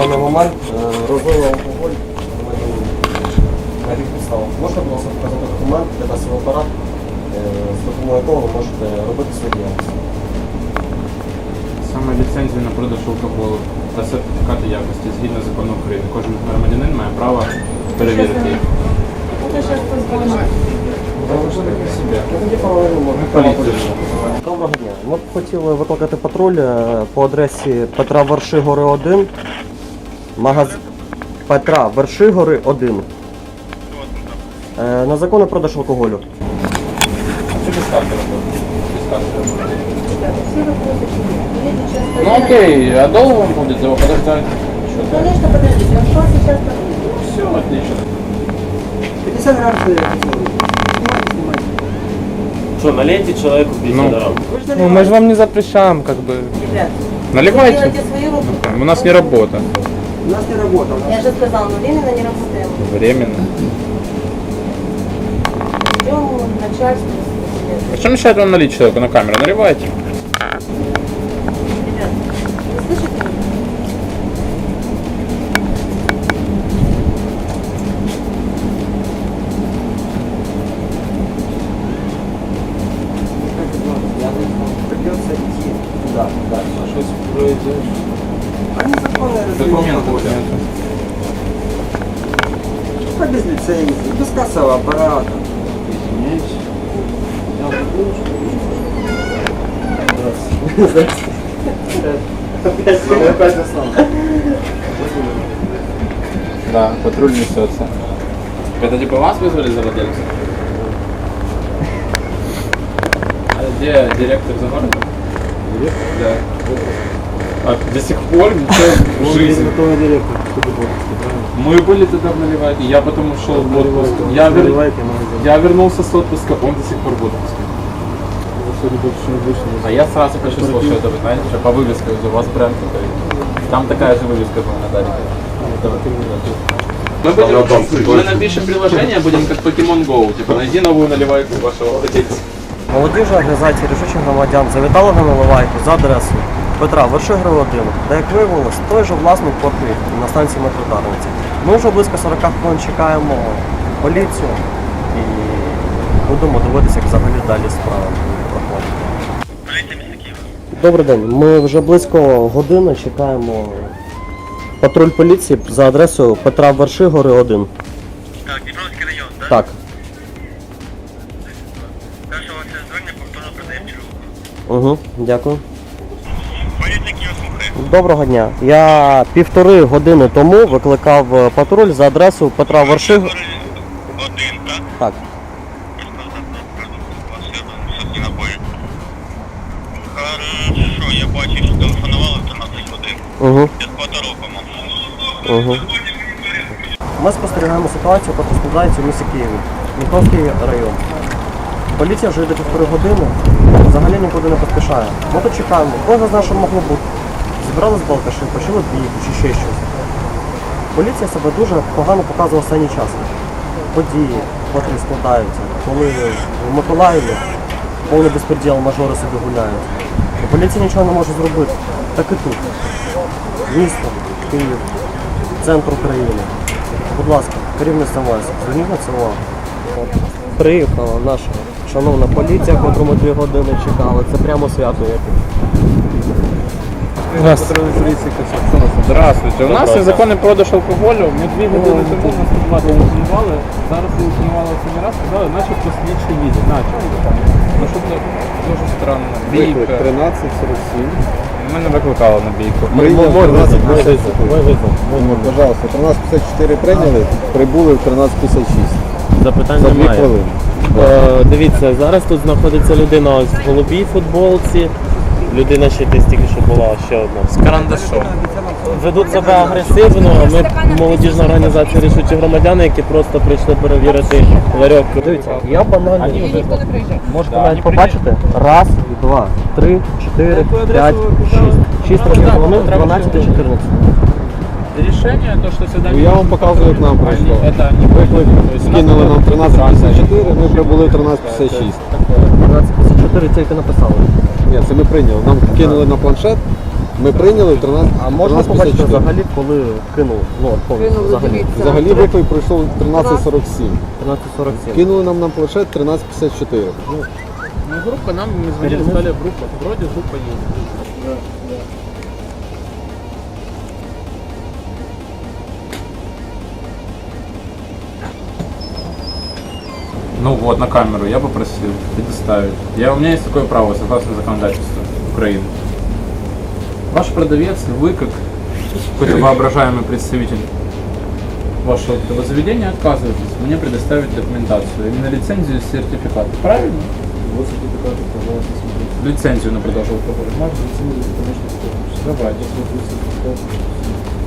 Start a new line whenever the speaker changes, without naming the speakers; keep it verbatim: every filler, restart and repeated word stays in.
даний момент розлили алкоголь на рік підставах. Можна було показати документ, де дасть апарат, з допомогою якого ви можете робити свої діяльності?
Саме ліцензію на продаж алкоголю та сертифікати якості згідно закону України. Кожен громадянин має право перевірити їх.
Доброго дня. Ми б хотіли викликати патруль по адресі Петра Вершигори, один. Магаз... Петра Вершигори, один. На законний продаж алкоголю.
Чи без карти робити? Без карти Ну окей, а долго вам будет его подождать?
Конечно, подождите, он что сейчас
Все, отлично.
пятьдесят грамм
Что, налейте человеку пятьдесят
Ну.
грамм?
Ну мы же вам не запрещаем, как бы.
Ребят,
Наливайте.
делайте свою работу.
У нас не работа.
У нас не работа.
Я же сказала, мы временно не работаем.
Временно.
Ждем начальство.
А что мешает вам налить человеку на камеру? Наливайте.
Ребят, вы слышите меня?
Придется идти туда, дальше.
А что произойдет?
Они законные
Документов нет.
Как без лицензии, без кассового аппарата.
Извиняюсь. Я забыл, что
Опять заснул.
Да, патруль несется. Это типа вас вызвали за владельца? А где директор за городом? Директор? Да. А до сих пор ничего в жизни. Мы были тогда в Наливайке, я потом ушел в отпуск. Я, вер... я вернулся с отпуска, он до сих пор в отпуске. А я сразу почувствовал, что это, вы знаете, что по вывеске у вас бренд такой. Там такая же вывеска была на Дарике. Мы, будем, мы напишем приложение, будем как Pokemon Go, типа найди новую наливайку вашего владельца.
Молодіжна організація рішучих громадян завітала на наливайку за адресою Петра Вершигори, один, де, як виявилось, той же власник квартири на станції метро Дарниці. Ми вже близько сорок хвилин чекаємо поліцію і будемо дивитися, як взагалі далі справа проходить. Добрий день, ми вже близько години чекаємо патруль поліції за адресою Петра Вершигори, один.
Так, Дніпровський район, так?
Так.
Перше ваше звернення повторно продаємо чергу.
Угу, дякую.
Поліція Київ слухає.
Доброго дня. Я півтори години тому викликав патруль за адресою Петра Вершигори.
Один, так?
Так.
Сотні набої. Хорошо, я бачу, що телефонували в тринадцять годин.
Угу.
Я з Паторо, по-моєму.
Угу. Ми спостерігаємо ситуацію, яка складається в місті Києві. Дніпровський район. Поліція вже йде півтори години, взагалі нікуди не поспішає. Ми тут чекаємо, кожен з нас, що могло бути. Зібрали з балкаші, почали бійку чи ще щось. Поліція себе дуже погано показує останній час. Події, котрі складаються, коли в Миколаєві повний безпреділ, мажори собі гуляють. І поліція нічого не може зробити. Так і тут. Місто, Київ, центр України. Будь ласка, керівництво вас, зверніть на це увагу. Приїхала наша шановна поліція, котру ми дві години чекали. Це прямо свято яке.
Здравствуйте. Здравствуйте. У нас є законний продаж алкоголю. Ми дві години тому на сто два телефонували. Зараз телефонували останній раз, сказали, начебто слідчий їде. Начебто. Ну що це дуже странно. Бійка.
тринадцять сорок сім.
Ми не викликали на бійку.
Пожалуйста, тринадцять п'ятдесят чотири прийняли, прибули в тринадцять п'ятдесят шість.
Запитань
За дві
немає.
хвилини.
Е, дивіться, зараз тут знаходиться людина ось в голубій футболці. Людина ще десь тільки що була, ще одна.
З карандашом.
Ведуть себе агресивно, а ми молодіжна організація рішучі громадяни, які просто прийшли перевірити ларьок.
Дивіться, я банально. Можете
Да,
навіть
вони
побачити. Раз, два, три, чотири, п'ять, шість. Шість разів вони дванадцять і чотирнадцять.
Решение, то, что сюда...
Ну, я вам показую, як нам пройшло.
Они- Это не
Виклик
то есть у нас
скинули нам
было
тринадцять п'ятдесят чотири, ми
тринадцать
прибули в тринадцять п'ятдесят шість.
дванадцять п'ятдесят чотири, це яке написали.
Ні, це ми прийняли. Нам кинули на планшет Ми прийняли в тринадцять
А можна
тринадцять
побачити
п'ятдесят чотири.
взагалі, коли кинув? Ну, от повністю,
Кинули,
взагалі.
дивіться.
Взагалі виклик пройшов тринадцять сорок сім.
тринадцять сорок сім.
Кинули нам на планшет тринадцять п'ятдесят чотири.
Ну, группа нам, мы звонили, сказали, группа. Вроде группа есть. Ну вот, на камеру я попросил предоставить. Я, у меня есть такое право, согласно законодательству Украины. Ваш продавец, вы как какой-то воображаемый представитель вашего этого заведения отказываетесь мне предоставить документацию, именно лицензию и сертификат. Правильно?
Вот сертификат, пожалуйста, смотрите.
Лицензию на продажу алкоголя. Можно?
Лицензию, конечно,
Давайте.